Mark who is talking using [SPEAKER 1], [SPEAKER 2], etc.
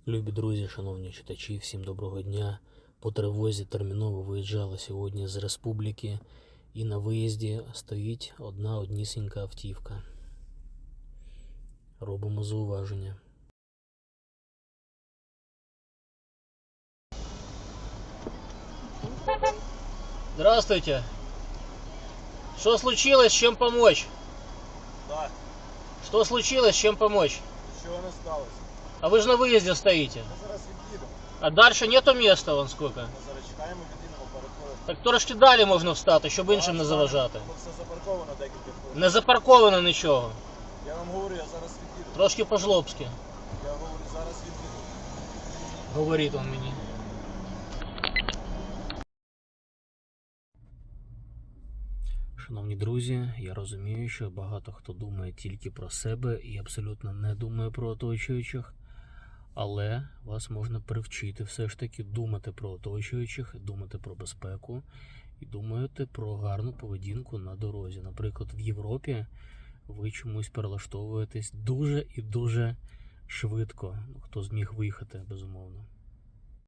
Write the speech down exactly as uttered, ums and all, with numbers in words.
[SPEAKER 1] Любі друзі, шановні читачі, всім доброго дня. По тривозі терміново виїжджали сьогодні з республіки, і на виїзді стоїть одна однісінька автівка. Робимо зауваження. Здравствуйте. Что случилось, чем помочь?
[SPEAKER 2] Да,
[SPEAKER 1] Что случилось, чем помочь?
[SPEAKER 2] нічого не сталося.
[SPEAKER 1] А вы же на выезде стоите.
[SPEAKER 2] Ми зараз від'їдемо.
[SPEAKER 1] А дальше нету места, вон сколько.
[SPEAKER 2] Ми зараз чекаємо, від'їдемо перед.
[SPEAKER 1] Так трошки далі можна встати, щоб іншим не заважати.
[SPEAKER 2] Воно все запарковано декілька хвилин.
[SPEAKER 1] Не запарковано нічого.
[SPEAKER 2] Я вам говорю, я зараз від'їду.
[SPEAKER 1] Трошки по-жлобськи.
[SPEAKER 2] Я говорю, зараз від'їду.
[SPEAKER 1] Говорить он мені. Шановні друзі, я розумію, що багато хто думає тільки про себе і абсолютно не думає про оточуючих, але вас можна привчити все ж таки думати про оточуючих, думати про безпеку і думати про гарну поведінку на дорозі. Наприклад, в Європі ви чомусь перелаштовуєтесь дуже і дуже швидко, хто зміг виїхати, безумовно.